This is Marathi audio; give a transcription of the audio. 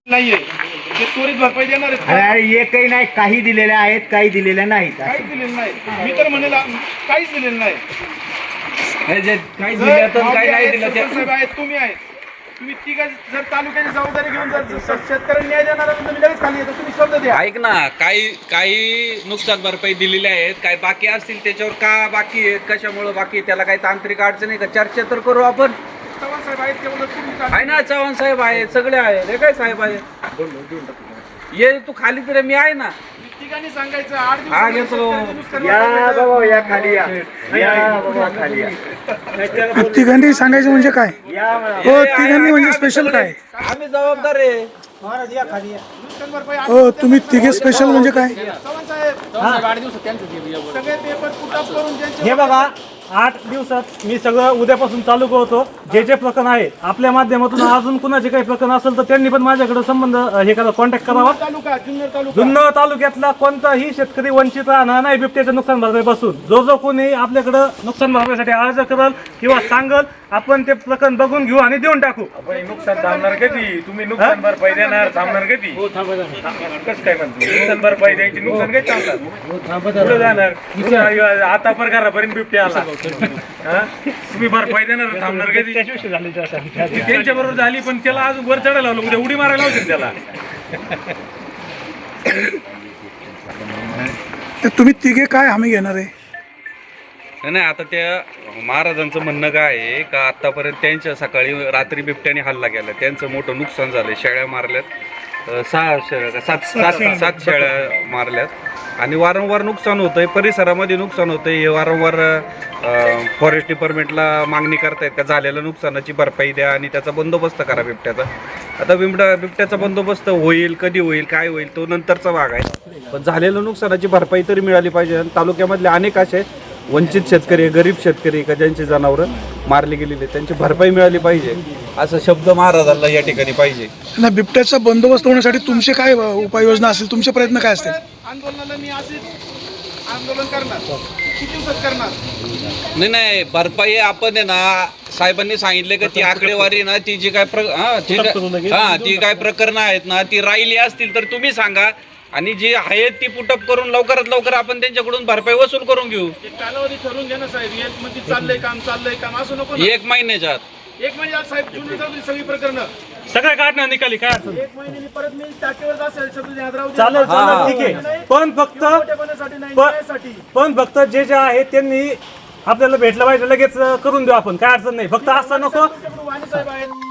नाहीये ते त्वरित भरपाई देणार आहेत. अरे एकही नाही, काही दिलेल्या आहेत, काही दिलेल्या नाहीत. काहीच दिलेलं नाही. मी तर म्हणेल काहीच दिलेलं नाही. काही दिलं तर काही नाही दिलं ते साहेब आहेत, तुम्ही आहेत, तुम्ही तिघा जर तालुक्याची जबाबदारी घेऊन जर शेतकऱ्यांना न्याय देणार असेल तर लगेच खाली येतो. तुम्ही शब्द द्या. ऐक ना, काही नुकसान भरपाई दिलेली आहेत, काही बाकी असतील त्याच्यावर का बाकी आहेत, कशामुळे बाकी आहे, त्याला काही तांत्रिक अडचण आहे का, चर्चा तर करू आपण. चव्हाण साहेब आहेत तेवढं तुम्ही आहे ना, चव्हाण साहेब आहे, सगळे आहे, हे काय साहेब आहे, ये तू खाली तर मी आहे ना. तिघांनी सांगायचं 8 हा, दिवस घेतो. या बाबा या खाली या, या बाबा खाली या. तिघांनी सांगायचं म्हणजे काय? या म्हणा. हो, तिघांनी म्हणजे स्पेशल काय? आम्ही जबाबदार आहे. नुकसान भरपाई हो, तुम्ही तिघे स्पेशल म्हणजे काय? चव्हाण साहेब सगळे पेपर पुटअप करून ज्यांचे हे बघा, 8 दिवसात मी सगळं उद्यापासून चालू करतो. जे जे प्रकरण आहे आपल्या माध्यमातून अजून कुणाचे काही प्रकरण असेल तर त्यांनी पण माझ्याकडे संबंध हे करा, कॉन्टॅक्ट करावा. तालुका जुन्नर तालुका जुन्नर तालुक्यातला कोणताही शेतकरी वंचित राहणार नाही बिबट्याच्या नुकसान भरपाईपासून. जो कोणी आपल्याकडं नुकसान भरपाईसाठी अर्ज करल किंवा सांगल, आपण ते प्रकरण बघून घेऊ आणि देऊन टाकू. नुकसान थांबणार कधी? तुम्ही नुकसान भरपाई देणार, थांबणार कधी? कसं काय म्हणतो? नुकसान भरपाई द्यायची, नुकसान काही थांबतात पुढे जाणार. आता प्रकारापर्यंत बिबट्या आला, तुम्ही भरपाई देणार, थांबणार कधी? त्यांच्या बरोबर झाली, पण त्याला अजून वर चढायला लावलं, उद्या उडी मारायला लावतील त्याला. तर तुम्ही तिघे काय हमी घेणार आहे? नाही, आता त्या महाराजांचं म्हणणं काय आहे का, आतापर्यंत त्यांच्या सकाळी रात्री बिबट्याने हल्ला केला, त्यांचं मोठं नुकसान झालं. शेळ्या मारल्यात, 7 शेळ्या मारल्यात आणि वारंवार नुकसान होतंय, परिसरामध्ये नुकसान होतंय. हे वारंवार फॉरेस्ट डिपार्टमेंटला मागणी करतायत का झालेल्या नुकसानाची भरपाई द्या आणि त्याचा बंदोबस्त करा बिबट्याचा. आता बिबट्याचा बंदोबस्त होईल, कधी होईल, काय होईल, तो नंतरचा भाग आहे. पण झालेल्या नुकसानाची भरपाई तरी मिळाली पाहिजे. आणि तालुक्यामधले अनेक असे वंचित शेतकरी, गरीब शेतकरी का ज्यांची जनावरं मारली गेलेली, त्यांची भरपाई मिळाली पाहिजे, असा शब्द महाराजांना या ठिकाणी पाहिजे. ना, बिबट्याचा बंदोबस्त होण्यासाठी तुमचे काय उपाययोजना असतील? तुमचे प्रयत्न काय असतील? आंदोलनाला मी असेच आंदोलन करणार. किती दिवसात करणार? नाही, भरपाई आपण आहे ना, साहेबांनी सांगितले का ती आकडेवारी ना, ती जी काय ती काय प्रकरणं आहेत ना, ती राहिली असतील तर तुम्ही सांगा आणि जी आहेत ती पुटअप करून लवकरात लवकर आपण त्यांच्याकडून भरपाई वसूल करून घेऊ. एक कालावधी ठरवून घ्या ना साहेब. एक मध्ये चाललंय काम असं नको ना. 1 महिन्याच्या आत. 1 महिन्यात साहेब जुन्नर तालुक्याची सगळी प्रकरणं सगळं काढणार निकाली, काय असेल 1 महिन्यानी परत मी टाकेवर असेल शब्द ध्यानात राहू दे. चालेल, ठीक आहे. पण फक्त जे आहे त्यांनी आपल्याला भेटलं पाहिजे, लगेच करून देऊ आपण, काय अडचण नाही. फक्त असं नको वाणी साहेब आहेत.